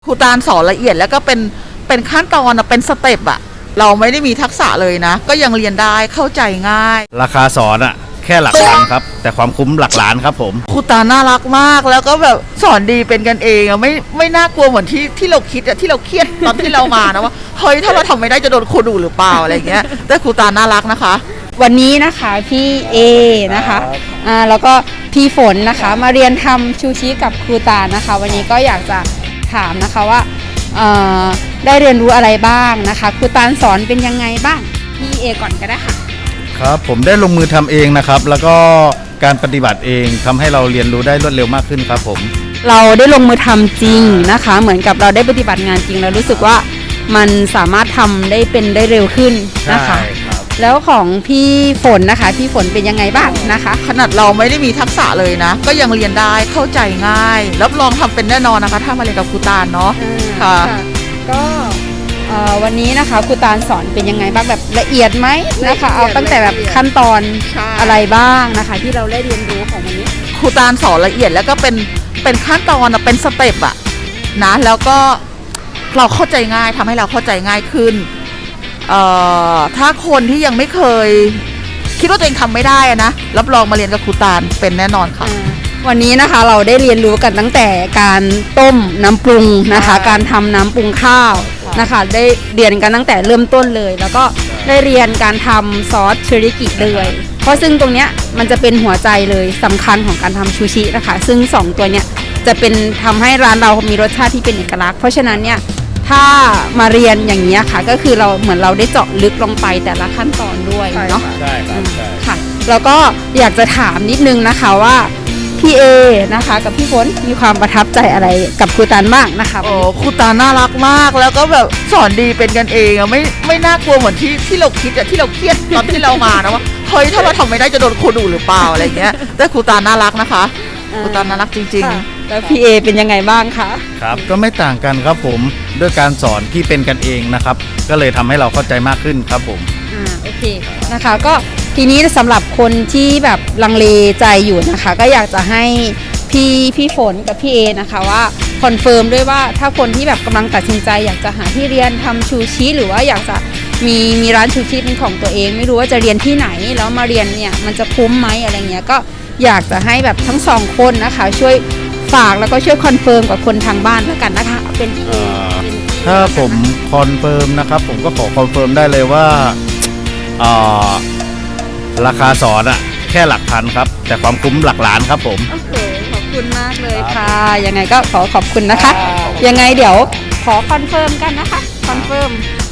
ครูตาลสอนละเอียดแล้วก็เป็นขั้นตอนเป็นสเต็ปอะเราไม่ได้มีทักษะเลยนะก็ยังเรียนได้เข้าใจง่ายราคาสอนอะแค่หลักพันครับแต่ความคุ้มหลักล้านครับผมครูตาลน่ารักมากแล้วก็แบบสอนดีเป็นกันเองอะไม่น่ากลัวเหมือนที่เราคิดอะที่เราเครียดตอนที่เรามานะว่าเฮ้ยถ้าเราทำไม่ได้จะโดนครูดุหรือเปล่าอะไรเงี้ยแต่ครูตาลน่ารักนะคะวันนี้นะคะพี่เอนะคะแล้วก็พี่ฝนนะคะมาเรียนทำชูชิกับครูตาลนะคะวันนี้ก็อยากจะถามนะคะว่าได้เรียนรู้อะไรบ้างนะคะครูตาลสอนเป็นยังไงบ้างพี่เอก่อนก็ได้ค่ะครับผมได้ลงมือทำเองนะครับแล้วก็การปฏิบัติเองทำให้เราเรียนรู้ได้รวดเร็วมากขึ้นครับผมเราได้ลงมือทำจริงนะคะเหมือนกับเราได้ปฏิบัติงานจริงแล้วรู้สึกว่ามันสามารถทำได้เร็วขึ้นนะคะแล้วของพี่ฝนนะคะพี่ฝนเป็นยังไงบ้างนะคะขนาดเราไม่ได้มีทักษะเลยนะก็ยังเรียนได้เข้าใจง่ายรับรองทำเป็นแน่นอนนะคะถ้ามาเรียนกับครูตาลเนาะค่ะก็วันนี้นะคะครูตาลสอนเป็นยังไงบ้างแบบละเอียดไหมนะคะเอาตั้งแต่แบบขั้นตอนอะไรบ้างนะคะที่เราได้เรียนรู้ของวันนี้ครูตาลสอนละเอียดแล้วก็เป็นขั้นตอนเป็นสเต็ปอะนะแล้วก็เราเข้าใจง่ายทำให้เราเข้าใจง่ายขึ้นถ้าคนที่ยังไม่เคยคิดว่าตัวเองทำไม่ได้นะรับรองมาเรียนกับครูตาลเป็นแน่นอนค่ะวันนี้นะคะเราได้เรียนรู้กันตั้งแต่การต้มน้ำปรุงนะคะการทำน้ำปรุงข้าวนะคะได้เรียนกันตั้งแต่เริ่มต้นเลยแล้วก็ได้เรียนการทำซอสเทริกิเลยเพราะซึ่งตรงเนี้ยมันจะเป็นหัวใจเลยสำคัญของการทำชูชินะคะซึ่ง2ตัวเนี้ยจะเป็นทำให้ร้านเรามีรสชาติที่เป็นเอกลักษณ์เพราะฉะนั้นเนี่ยถ้ามาเรียนอย่างนี้ค่ะก็คือเราเหมือนเราได้เจาะลึกลงไปแต่ละขั้นตอนด้วยเนาะใช่ครับค่ะแล้วก็อยากจะถามนิดนึงนะคะว่าพี่เอนะคะกับพี่ฝนมีความประทับใจอะไรกับครูตาลบ้างนะคะโอ้ครูตาลน่ารักมากแล้วก็แบบสอนดีเป็นกันเองอะไม่น่ากลัวเหมือนที่เราคิดอะที่เราเครียดตอนที่เรามานะว่าเฮ้ยถ้าเราทำไม่ได้จะโดนครูดุหรือเปล่าอะไรเงี้ยแต่ครูตาลน่ารักนะคะครูตาลน่ารักจริงๆแล้วพี่เอเป็นยังไงบ้างคะครับก็ไม่ต่างกันครับผมด้วยการสอนที่เป็นกันเองนะครับก็เลยทำให้เราเข้าใจมากขึ้นครับผมโอเคนะคะก็ทีนี้สำหรับคนที่แบบลังเลใจอยู่นะคะก็อยากจะให้พี่ฝนกับพี่เอนะคะว่าคอนเฟิร์มด้วยว่าถ้าคนที่แบบกำลังตัดสินใจอยากจะหาที่เรียนทำชูชิหรือว่าอยากจะมีร้านชูชิเป็นของตัวเองไม่รู้ว่าจะเรียนที่ไหนแล้วมาเรียนเนี่ยมันจะคุ้มไหมอะไรเงี้ยก็อยากจะให้แบบทั้งสองคนนะคะช่วยฝากแล้วก็ช่วยคอนเฟิร์มกับคนทางบ้านแล้วกันนะคะเป็นพี่เอถ้าผมคอนเฟิร์มนะครับผมก็ขอคอนเฟิร์มได้เลยว่าราคาสอนอะแค่หลักพันครับแต่ความคุ้มหลักล้านครับผมโอเคขอบคุณมากเลยค่ะยังไงก็ขอบคุณนะคะยังไงเดี๋ยวขอคอนเฟิร์มกันนะคะคอนเฟิร์ม